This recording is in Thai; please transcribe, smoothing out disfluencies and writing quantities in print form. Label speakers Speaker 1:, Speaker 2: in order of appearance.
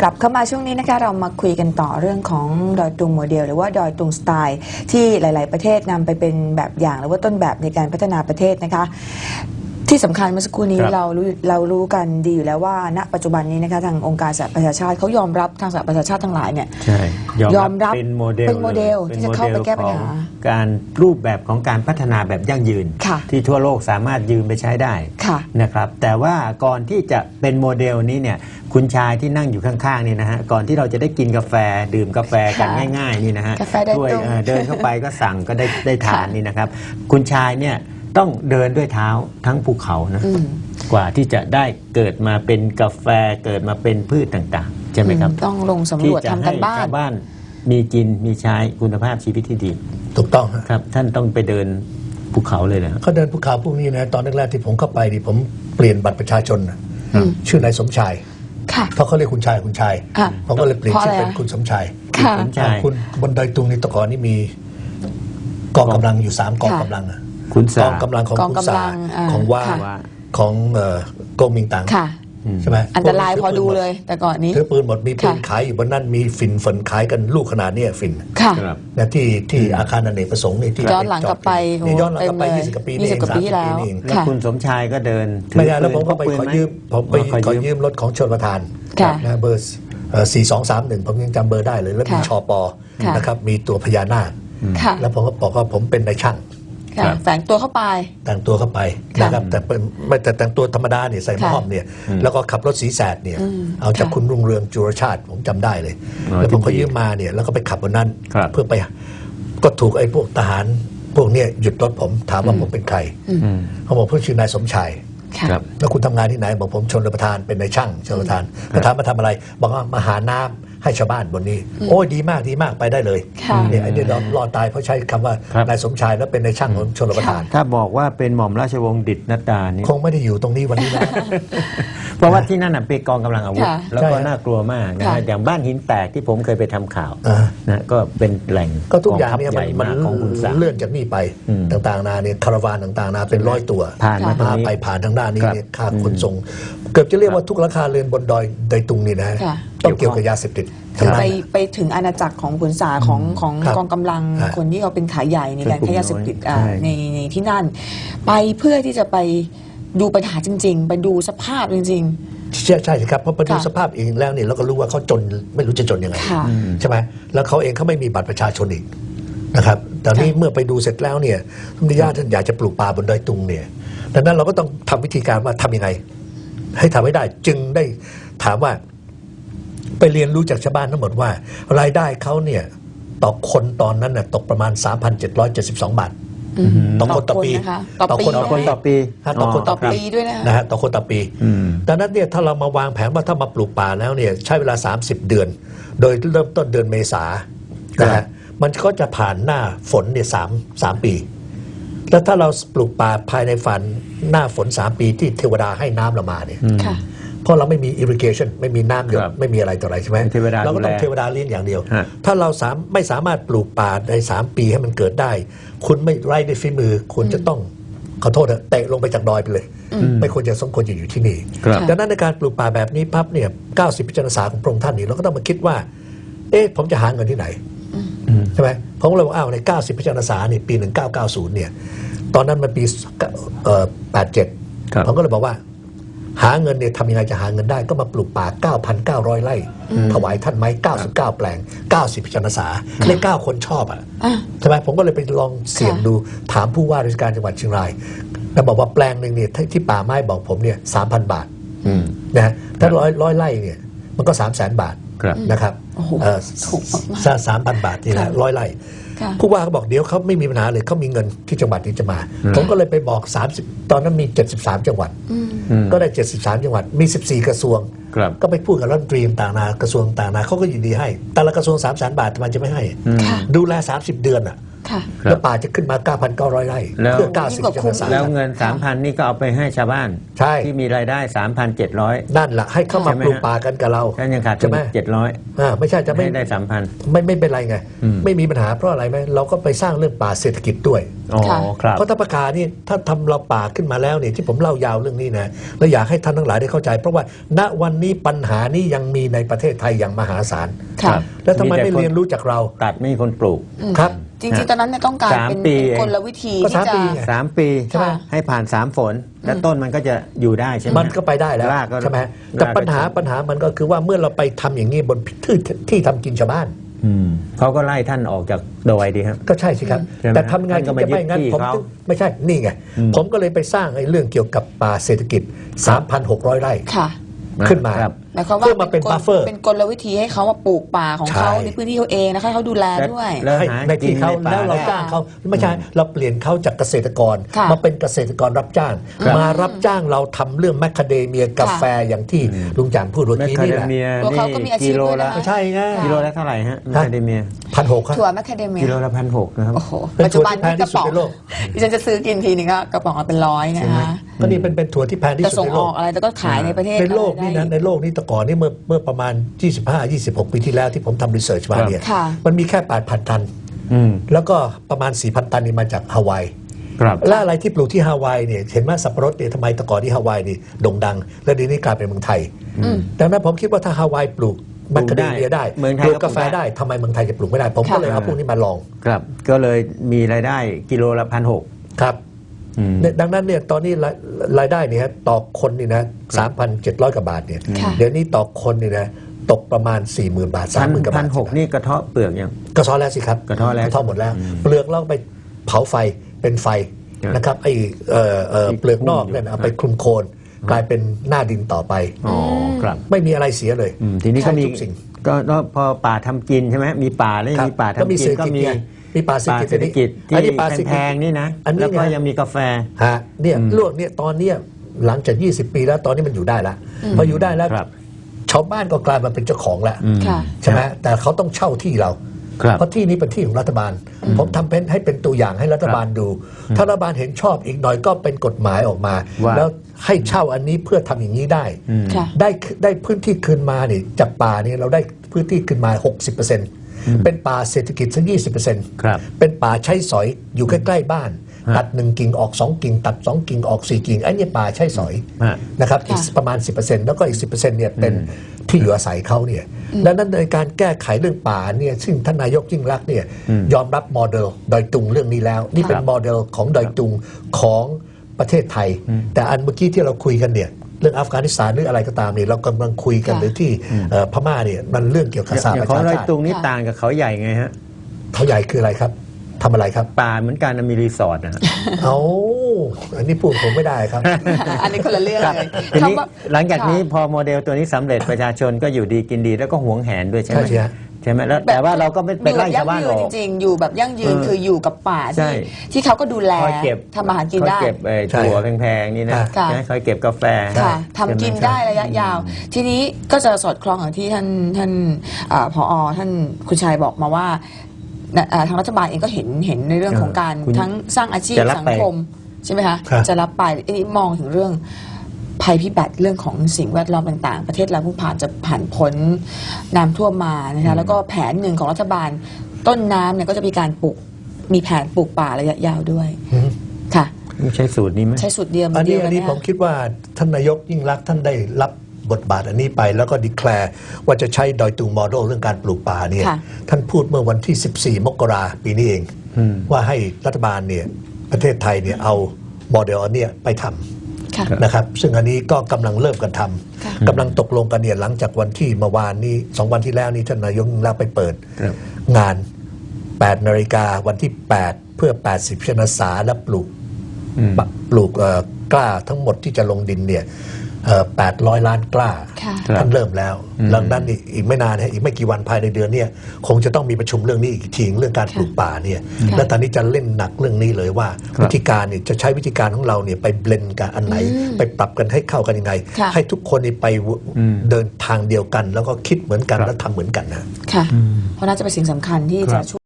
Speaker 1: ลับเข้ามาช่วงนี้นะคะเรามาคุยกันต่อเรื่องของดอยตุงโมเดลหรือว่าดอยตุงสไตล์ที่หลายๆประเทศนำไปเป็นแบบอย่างหรือว่าต้นแบบในการพัฒนาประเทศนะคะที่สำคัญเมื่อสักครู่นี้เรารู้กันดีอยู่แล้วว่าณปัจจุบันนี้นะคะทางองค์การสหประชาชาติเขายอมรับทางสหประชาชาติทั้งหลายเนี่ยยอมรับ
Speaker 2: เป็นโมเดล
Speaker 1: ที่จะเข้าไปแก้ปัญหา
Speaker 2: การรูปแบบของการพัฒนาแบบยั่งยืนที่ทั่วโลกสามารถยืมไปใช้ได้นะครับแต่ว่าก่อนที่จะเป็นโมเดลนี้เนี่ยคุณชายที่นั่งอยู่ข้างๆนี่นะฮะก่อนที่เราจะได้กินกาแฟดื่มกาแฟกันง่ายๆนี่นะฮะด้วยเดินเข้าไปก็สั่งก็ได้ทานนี่นะครับคุณชายเนี่ยต้องเดินด้วยเท้าทั้งภูเขานะกว่าที่จะได้เกิดมาเป็นกาแฟเกิดมาเป็นพืชต่างๆใช่ไหมครับ
Speaker 1: ต้องลงสำรวจทำกันบ้าน
Speaker 2: ชาวบ้านมีกินมีใช้คุณภาพชีวิตที่ดี
Speaker 3: ถูกต้อง
Speaker 2: ครับท่านต้องไปเดินภูเขาเลยนะ
Speaker 3: เขาเดินภูเขาพวกนี้นะตอนแรกๆที่ผมเข้าไปดิผมเปลี่ยนบัตรประชาชนชื่อนายสมชายเพราะเขาเรียกคุณชายผมก็เลยเปลี่ยนชื่อเป็นคุณสมชายคุณบนดอยตุงในตะกอนนี่มีกองกำลังอยู่3กองกำลังกองกำลังของคุณสาของว่าของกงมิงตังใช่ไหม
Speaker 1: อันตรายพอดูเลยแต่ก่อนนี้
Speaker 3: ถือปืนหมดมีปืนขายอยู่บนนั้นมีฝนขายกันลูกขนาดนี้ฝิ่นนะที่อาคารอเนกประสงค์นี่ที่
Speaker 1: ย้อนหลังกลับไป
Speaker 3: ย้อนหลังกลับไป20 กว่าปีนี่เอง
Speaker 1: 30 ปีที่แล้ว
Speaker 2: แล้วคุณสมชายก็เดิน
Speaker 3: ไม่ได้แล้วผมก็ไปขอยืมรถของชลประทานนะเบอร์4231ผมยังจำเบอร์ได้เลยแล้วมีชปนะครับมีตัวพญานาคแล้วผมก็บอกว่าผมเป็นนายช่าง
Speaker 1: แต่งตัวเข้าไป
Speaker 3: นะครับแต่แต่งตัวธรรมดาเนี่ยใส่หม้อมเนี่ยแล้วก็ขับรถสีแสดเนี่ยเอาจากคุณรุ่งเรืองจุรชาติผมจำได้เลยแล้วผมก็ยืมมาเนี่ยแล้วก็ไปขับบนนั้นเพื่อไปก็ถูกไอ้พวกทหารพวกเนี่ยหยุดรถผมถามว่าผมเป็นใครเขาบอกผมชื่อนายสมชายแล้วคุณทำงานที่ไหนบอกผมชลประทานเป็นนายช่างชลประทานมาทำอะไรบอกว่ามาหาน้ำให้ชาวบ้านบนนี้โอ้ยดีมากไปได้เลยเนี่ยไอ้เนี่ยรอดตายเพราะใช้คำว่านายสมชายแล้วเป็นนายช่างของชลประทาน
Speaker 2: ถ้าบอกว่าเป็นหม่อมราชวงศ์ดิษฐ์นัดดานี่
Speaker 3: คงไม่ได้อยู่ตรงนี้วันนี้นะ
Speaker 2: เพราะว่าที่นั่นเป็นกองกำลังอาวุธแล้วก็น่ากลัวมากนะอย่างบ้านหินแตกที่ผมเคยไปทำข่าวนะก็เป็นแหล่ง
Speaker 3: ก็ทุกอย่างเนี่ยมันเลื่อนจากนี่ไปต่างๆนาเนี่ยคาราวานต่างๆนาเป็น100 ตัว
Speaker 2: ผ่านมา
Speaker 3: ไปผ่านทางด้านนี้เนี่ยค่าขนส่งเกือบจะเรียกว่าทุกราคาเรือนบนดอยตุงนี่นะต้องเกี่ยวกับยาเสพติด
Speaker 1: ไปถึงอาณาจักรของขุนสาของกองกำลังคนที่เขาเป็นขายใหญ่ในการค้ายาเสพติดในที่นั่นไปเพื่อที่จะไปดูปัญหาจริงๆไปดูสภาพจริง
Speaker 3: ๆใช่ครับเพราะไปดูสภาพเองแล้วเนี่ยเราก็รู้ว่าเขาจนไม่รู้จะจนยังไงใช่ไหมแล้วเขาเองเขาไม่มีบัตรประชาชนอีกนะครับแต่นี่เมื่อไปดูเสร็จแล้วเนี่ยท่านญาติท่านอยากจะปลูกป่าบนดอยตุงเนี่ยดังนั้นเราก็ต้องทำวิธีการว่าทำยังไงให้ทำให้ได้จึงได้ถามว่าไปเรียนรู้จากชาวบ้านทั้งหมดว่ารายได้เขาเนี่ยต่อคนตอนนั้นน่ะตกประมาณ 3,772 บาทต่อคนต่อปี
Speaker 2: ต่อคนต่อปี
Speaker 1: ต่อปีด้วย
Speaker 3: นะฮะต่อคนต่อปีดังนั้นเนี่ยถ้าเรามาวางแผนว่าถ้ามาปลูกป่าแล้วเนี่ยใช้เวลา30 เดือนโดยเริ่มต้นเดือนเมษานะฮะมันก็จะผ่านหน้าฝนเนี่ย3 ปีแล้วถ้าเราปลูกป่าภายในฝันหน้าฝน3 ปีที่เทวดาให้น้ำเรามาเนี่ยเพราะเราไม่มี irrigation ไม่มีน้ำหยดไม่มีอะไรต่ออะไรใช่ไหมเราก็ต้องเทวดาเลี้ยงอย่างเดียวถ้าเราไม่สามารถปลูกป่าใน3 ปีให้มันเกิดได้คุณไม่ไร้ด้วยฝีมือคุณจะต้องขอโทษนะเตะลงไปจากดอยไปเลยไม่ควรจะสมควรจะอยู่ที่นี่ดังนั้นในการปลูกป่าแบบนี้ปั๊บเนี่ย90 พฤษภาคมของพระองค์ท่านนี่เราก็ต้องมาคิดว่าผมจะหาเงินที่ไหนใช่ไหมผมก็เลยว่าใน90 พฤษภาคมนี่ปี1990เนี่ยตอนนั้นมันปี87ผมก็เลยบอกว่าหาเงินเนี่ยทำยังไงจะหาเงินได้ก็มาปลูกป่า 9,900 ไร่ถวายท่านไม้99 แปลง90 พฤษภาคมเลข9คนชอบใช่ไหมผมก็เลยไปลองเสี่ยงดูถามผู้ว่าราชการจังหวัดเชียงรายแล้วบอกว่าแปลงหนึ่งเนี่ยที่ป่าไม้บอกผมเนี่ย 3,000 บาทนะถ้าร้อยไร่เนี่ยมันก็ 300,000 บาทนะครับ3,000 บาททีละ100 ไร่ผู้ว่าเขาบอกเดี๋ยวเขาไม่มีปัญหาเลยเขามีเงินที่จังหวัดนี้จะมาผมก็เลยไปบอก30ตอนนั้นมี73 จังหวัดก็ได้73 จังหวัดมี14 กระทรวงก็ไปพูดกับรัฐมนตรีต่างๆกระทรวงต่างๆเขาก็ยินดีให้แต่ละกระทรวง 300,000 บาทมันจะไม่ให้ดูแล30 เดือน
Speaker 1: ค่ะ
Speaker 3: แล้วป่าจะขึ้นมา 9,900 ไร่
Speaker 2: แล้ว
Speaker 3: เพื่อ
Speaker 1: ยิ่งกว่า
Speaker 3: 90
Speaker 1: คุ้ม
Speaker 3: สาร
Speaker 2: แล้วเงิน 3,000 นี่ก็เอาไปให้ชาวบ้าน
Speaker 3: ใช่
Speaker 2: ที่มีรายได้ 3,700
Speaker 3: นั่นแหละให้เข้ามา
Speaker 2: ใช่ไหม
Speaker 3: ปลูกป่ากันกับเรา
Speaker 2: ท่านยังขาดทุ
Speaker 3: ใช่
Speaker 2: น
Speaker 3: ไหม
Speaker 2: 700
Speaker 3: ไม่ใช่จะไม่
Speaker 2: ให้ได้ 3,000
Speaker 3: ไม่เป็นไรไง
Speaker 2: อืม
Speaker 3: ไม่มีปัญหาเพราะอะไรไหมเราก็ไปสร้างเรื่องป่าเศรษฐกิจด้วย
Speaker 2: อ๋อ
Speaker 1: ค่ะ
Speaker 2: ครับ
Speaker 3: เพราะถ้าประกาศนี่ถ้าทำเราป่าขึ้นมาแล้วเนี่ยที่ผมเล่ายาวเรื่องนี้นะแล้วอยากให้ท่านทั้งหลายได้เข้าใจ เพราะว่าณวันนี้ปัญหานี้ยังมีในประเทศไทยอย่างมหาศาล
Speaker 1: ค่ะ
Speaker 3: แล้วทำไม
Speaker 2: มีแต่
Speaker 3: ไม่
Speaker 2: คน
Speaker 3: เรียนรู้จากเรา
Speaker 2: ตัดไม่มีคนปลูก
Speaker 3: ครับ
Speaker 1: จริงๆ ตอนนั้นเนี่ยต้องการเป็น
Speaker 2: 3 ปี
Speaker 1: เป็นกลวิธี
Speaker 3: ก็
Speaker 1: ที่
Speaker 3: 3
Speaker 1: จะ
Speaker 3: ปีไง
Speaker 2: 3 ปี
Speaker 1: ใช่ไหม
Speaker 2: ให้ผ่าน 3 ฝน แล้วต้นมันก็จะอยู่ได้ใช่ไหม
Speaker 3: มันก็ไปได้แล้ว
Speaker 2: รากก็
Speaker 3: ใช่ไหมแต่ปัญหามันก็คือว่าเมื่อเราไปทำอย่างนี้บนที่ทำกินชาวบ้าน
Speaker 2: เขาก็ไล่ท่านออกจากดอยดีครับ
Speaker 3: ก็ใช่สิครับ
Speaker 2: ใช่ไหม
Speaker 3: แต่ทำไง
Speaker 2: ท่านก็
Speaker 3: ที่จะไม่งั้น
Speaker 2: มายึดที่
Speaker 3: ผม
Speaker 2: เขา
Speaker 3: ถึงไม่ใช่นี่ไง ผมก็เลยไปสร้างไอ้เรื่องเกี่ยวกับป่าเศรษฐกิจ 3,600 ไร่
Speaker 1: ค่ะ
Speaker 3: ขึ้นมา
Speaker 2: ครับ
Speaker 1: หมายความว่า
Speaker 3: เพื่อมาเป็น buffer
Speaker 1: เป็นกลวิธีให้เขามาปลูกป่าของเขา
Speaker 3: ใช่
Speaker 1: ในพื้นที่เขาเองนะคะให้เขาดูแลด้วย
Speaker 2: แล้ว
Speaker 3: ให้
Speaker 2: หา
Speaker 3: ในที่เขา
Speaker 2: กินในป่า
Speaker 3: แล้วเรา
Speaker 2: ได้
Speaker 3: จ้างเขาไม่ใช่เราเปลี่ยนเขาจากเกษตรกร
Speaker 1: ค่ะ
Speaker 3: มาเป็นเกษตรกรรับจ้าง
Speaker 2: ครับ
Speaker 3: มารับจ้างเราทำเรื่องแมคคาเดเมียกาแฟอย่างที่ลุงจามพูดเมื่อ
Speaker 2: แมค
Speaker 3: กี้
Speaker 2: คา
Speaker 3: นี่
Speaker 2: เด
Speaker 3: แหละ
Speaker 2: เมีย
Speaker 1: ตัวเขาก็มีอาชีพ
Speaker 2: กิโล
Speaker 1: ด้วย
Speaker 2: ละ
Speaker 1: นะ
Speaker 3: ไม่ใช่ไง
Speaker 2: กิโลละเท่าไหร่ฮะแมคคาเดเมีย
Speaker 3: 1,600 ครับ
Speaker 1: ถั่วแมคคาเดเมีย
Speaker 2: กิโลละ1,600นะครับ
Speaker 1: โอ้โห
Speaker 3: เป็น
Speaker 1: ปัจจุบัน
Speaker 3: ถั่วที่แพงที่
Speaker 1: นี่กระป๋อง
Speaker 3: สุดในโลก
Speaker 1: ดิฉันจะซื้อกินทีนึงก็กระป๋องละเป็น100นะคะ
Speaker 3: ก็นี่เป็นถั่วที่แพงที่
Speaker 1: จะ
Speaker 3: สุด
Speaker 1: ส่ง
Speaker 3: ใน
Speaker 1: อ
Speaker 3: โล
Speaker 1: อก กอะไรแต่ก็ขายในประเทศ
Speaker 3: ในโลกนี่
Speaker 1: ได้
Speaker 3: นะในโลกนี้แต่ก่อนนี่เมื่อประมาณ 25-26 ปีที่แล้วที่ผมทำรีเสิร์ชมาเนี่ย
Speaker 1: ค่ะ
Speaker 3: มันมีแค่ 8,000 ตัน
Speaker 2: อืม
Speaker 3: แล้วก็ประมาณ 4,000 ตันนี่มาจากฮาวาย
Speaker 2: ครับ
Speaker 3: และอะไรที่ปลูกที่ฮาวายเนี่ยเห็นไหมสับปะรดเนี่ยทำไมแต่ก่อนที่ฮาวายนี่โด่งดัง และเดี๋ยวนี้กลายเป็นเมืองไทย ดังนั้นผมคิดว่าถ้าฮาวายปลูกแมคคาเดเมียได้
Speaker 2: เมืองไทย
Speaker 3: ปลูก
Speaker 2: ก็
Speaker 3: กาแฟ
Speaker 2: ปลูกได้
Speaker 3: ได้ทำไมเมืองไทยจะปลูกไม่ได้ ผมก็เลยเอาพวกนี้มาลอง
Speaker 2: ครับ ก็เลยมีรายได้กิโลละ1,600
Speaker 3: ครับ
Speaker 2: อืม
Speaker 3: เนี่ยดังนั้นเนี่ยตอนนี้รายได้เนี่ยฮะต่อคนนี่นะ 3,700 กว่าบาทเนี่ย
Speaker 1: ค่ะ
Speaker 3: เดี๋ยวนี้ต่อคนนี่นะตกประมาณ 40,000 บาท 30,000 กว่าบาท
Speaker 2: 1,600นี่กระเทาะเปลือกยัง
Speaker 3: กระท้อแล้วสิครับ
Speaker 2: กระท้อแล้ว
Speaker 3: หมดแล้ว เปลือกเราไปเผาไฟเป็นไฟ
Speaker 2: ครับ
Speaker 3: นะครับไอ้เปลือกนอกเนี่ยเอาไปคลุมโคลนกลายเป็นหน้าดินต่อไป
Speaker 2: อ๋อครับ
Speaker 3: ไม่มีอะไรเสียเลย
Speaker 2: ทีนี้ก็มี
Speaker 3: ใช่ทุกสิ่ง
Speaker 2: ก็พอป่าทำกินใช่ไหมมีป่าแล้วยังมีป่า
Speaker 3: ก็
Speaker 2: ทำ
Speaker 3: มี
Speaker 2: กิ
Speaker 3: เศร
Speaker 2: น
Speaker 3: ษฐ
Speaker 2: ก็
Speaker 3: กิจ
Speaker 2: มี
Speaker 3: ไงมีป่าเศรษฐกิจ
Speaker 2: เศรษฐกิจ
Speaker 3: อันนี้
Speaker 2: ที่
Speaker 3: ป่าเศรษฐกิจ
Speaker 2: แพงๆนี่นะ
Speaker 3: อันนี้
Speaker 2: แล้วก็
Speaker 3: ไง
Speaker 2: ยังมีกาแฟ
Speaker 3: ฮะเนี่ยลวกเนี่ยตอนเนี้ยหลังจาก 20 ปีแล้วตอนนี้มันอยู่ได้แล้วพออยู่ได้แล้ว
Speaker 2: ครับ
Speaker 3: ชาวบ้านก็กลายมาเป็นเจ้าของแล้ว
Speaker 1: ค่ะ
Speaker 3: ใช่ไหมแต่เขาต้องเช่าที่เรา
Speaker 2: ครับ
Speaker 3: เพราะที่นี้เป็นที่ของรัฐบาล ผมทำเป็นให้เป็นตัวอย่างให้รัฐบาลดู ถ้ารัฐบาลเห็นชอบอีกหน่อยก็เป็นกฎหมายออกมา
Speaker 2: ว่า
Speaker 3: แล้วให้เช่าอันนี้เพื่อทำอย่างนี้ได้
Speaker 1: ค่ะ
Speaker 3: ได้พื้นที่คืนมานี่จากป่านี่เราได้พื้นที่คืนมา 60%เป็นป่าเศรษฐกิจสัก 20%
Speaker 2: ครับ
Speaker 3: เป็นป่าใช้สอยอยู่ใกล้ๆบ้าน
Speaker 2: ฮะ
Speaker 3: ตัด1กิ่งออก2กิ่งตัด2กิ่งออก4กิ่งไอ้นี่ป่าใช้สอย
Speaker 2: ฮะ
Speaker 3: นะครับอีก
Speaker 1: ค่ะ
Speaker 3: ประมาณ 10%แล้วก็อีก 10%เนี่ยเป็นที่อยู่อาศัยเขาเนี่ยและนั้นในการแก้ไขเรื่องป่าเนี่ยซึ่งท่านนายกยิ่งรักษณ์เนี่ยยอมรับโมเดลดอยตุงเรื่องนี้แล้ว นี่เป็นโมเดลของดอยตุงของประเทศไทย แต่อันเมื่อกี้ที่เราคุยกันเนี่ยเรื่องอัฟกานิสถานหรืออะไรก็ตามเนี่ยเรากำลังคุยกัน
Speaker 1: ค่ะ
Speaker 3: หรือที่พม่าเนี่ยมันเรื่องเกี่ยวกับสห
Speaker 2: อ
Speaker 3: ป
Speaker 2: ย่าง
Speaker 3: ระ
Speaker 2: ของ
Speaker 3: ชา
Speaker 2: ดอย
Speaker 3: ชาติ
Speaker 2: ตุงนี่ต่างกับเขาใหญ่ไงฮะ
Speaker 3: เขาใหญ่คืออะไรครับทำอะไรครับ
Speaker 2: ป่าเหมือนกันนะมีรีสอร์ทนะฮะ
Speaker 3: เอาอันนี้พูดผมไม่ได้ครับ
Speaker 1: อันนี้คนละเรื่องเลย
Speaker 2: ทีนี้
Speaker 1: คำว่า
Speaker 2: หลังจากนี้
Speaker 1: ค่ะ
Speaker 2: พอโมเดลตัวนี้สำเร็จประชาชนก็อยู่ดีกินดีแล้วก็หวงแหนด้วยใช่ไหม
Speaker 3: ใช่สิฮะ
Speaker 2: ใช่ไหมแล้วแต่ว่าเราก็ไม่ไปไล่ชาวบ้าน
Speaker 1: อยู่
Speaker 2: อ
Speaker 1: แบบ
Speaker 2: อก
Speaker 1: ยั่งยืนจริงๆ อยู่แบบยั่งยืน คืออยู่กับป่า
Speaker 2: ใช่
Speaker 1: ที่เขาก็ดูแล
Speaker 2: คอยเก็บ
Speaker 1: ทำอาหารกิน
Speaker 2: คอย
Speaker 1: ได้
Speaker 2: เก็บ
Speaker 3: ใช่
Speaker 2: ถั่วแพงๆนี่นะ
Speaker 1: ค่ะ
Speaker 2: นะคอยเก็บกาแฟ
Speaker 1: ค่ะทำกินได้ระยะยาว ทีนี้ก็จะสอดคล้องกับที่ท่านผอท่านคุณชัยบอกมาว่าทางรัฐบาลเองก็เห็นในเรื่องของการ
Speaker 2: คุณ
Speaker 1: ทั้งสร้างอาชีพ
Speaker 2: จะรับ
Speaker 1: สัง
Speaker 2: ไป
Speaker 1: คมใช่ไหมคะ
Speaker 3: ครับ
Speaker 1: จะรับไปอันนี้มองถึงเรื่องภัยพิบัติเรื่องของสิ่งแวดล้อมต่างๆ ประเทศเราเพิ่งผ่านพ้นน้ำท่วมมานะคะแล้วก็แผนหนึ่งของรัฐบาลต้นน้ำเนี่ยก็จะมีการมีแผนปลูกป่าระยะยาวด้วยค่ะ
Speaker 2: ใช้สูตรนี้ไหม
Speaker 1: ใช้สูตรเดียว
Speaker 3: อัน
Speaker 1: เดี
Speaker 3: นี้
Speaker 1: ยว
Speaker 3: อั
Speaker 1: กัน
Speaker 3: นนี้
Speaker 1: เนี่ย
Speaker 3: ผมคิดว่าท่านนายกยิ่งรักษณ์ท่านได้รับบทบาทอันนี้ไปแล้วก็ดีแคลร์ว่าจะใช้ดอยตุงโมเดลเรื่องการปลูกป่าเนี่ย
Speaker 1: ค่ะ
Speaker 3: ท่านพูดเมื่อวันที่ 14 มกราปีนี้เอง ว่าให้รัฐบาลเนี่ยประเทศไทยเนี่ยเอาโมเดลอันเนี้ยไปทำ
Speaker 1: ค่ะ
Speaker 3: นะครับซึ่งอันนี้ก็กำลังเริ่มกันท
Speaker 1: ค่ะ
Speaker 3: ำกำลังตกลงกันเนี่ยหลังจากวันที่เมื่อวานนี้2 วันที่แล้วนี่ท่านนายกยิ่งรักษณ์ไปเปิด
Speaker 2: ครับ
Speaker 3: งาน 8 นาฬิกาวันที่ 8 เพื่อ 80 ชนสาและปลูกกล้าทั้งหมดที่จะลงดินเนี่ย800 ล้านกล้า
Speaker 1: ค่ะ
Speaker 3: ท่านเริ่มแล้วดังนั้นอีกไม่นานอีกไม่กี่วันภายในเดือนเนี้คงจะต้องมีประชุมเรื่องนี้อีกทีเรื่องการปลูกป่าเนี่ย
Speaker 1: ค่ะ
Speaker 3: และตอนนี้จะเล่นหนักเรื่องนี้เลยว่า
Speaker 2: ครับ
Speaker 3: วิธีการเนี่ยจะใช้วิธีการของเราเนี่ยไปเบลนกันอันไหน ไปปรับกันให้เข้ากันยังไง
Speaker 1: ค่ะ
Speaker 3: ให้ทุกคนนี่ไปเดินทางเดียวกัน แล้วก็คิดเหมือนกันและทำเหมือนกันนะ
Speaker 1: ค่ะ เพราะน่าจะเป็นสิ่งสำคัญที่จะช่วย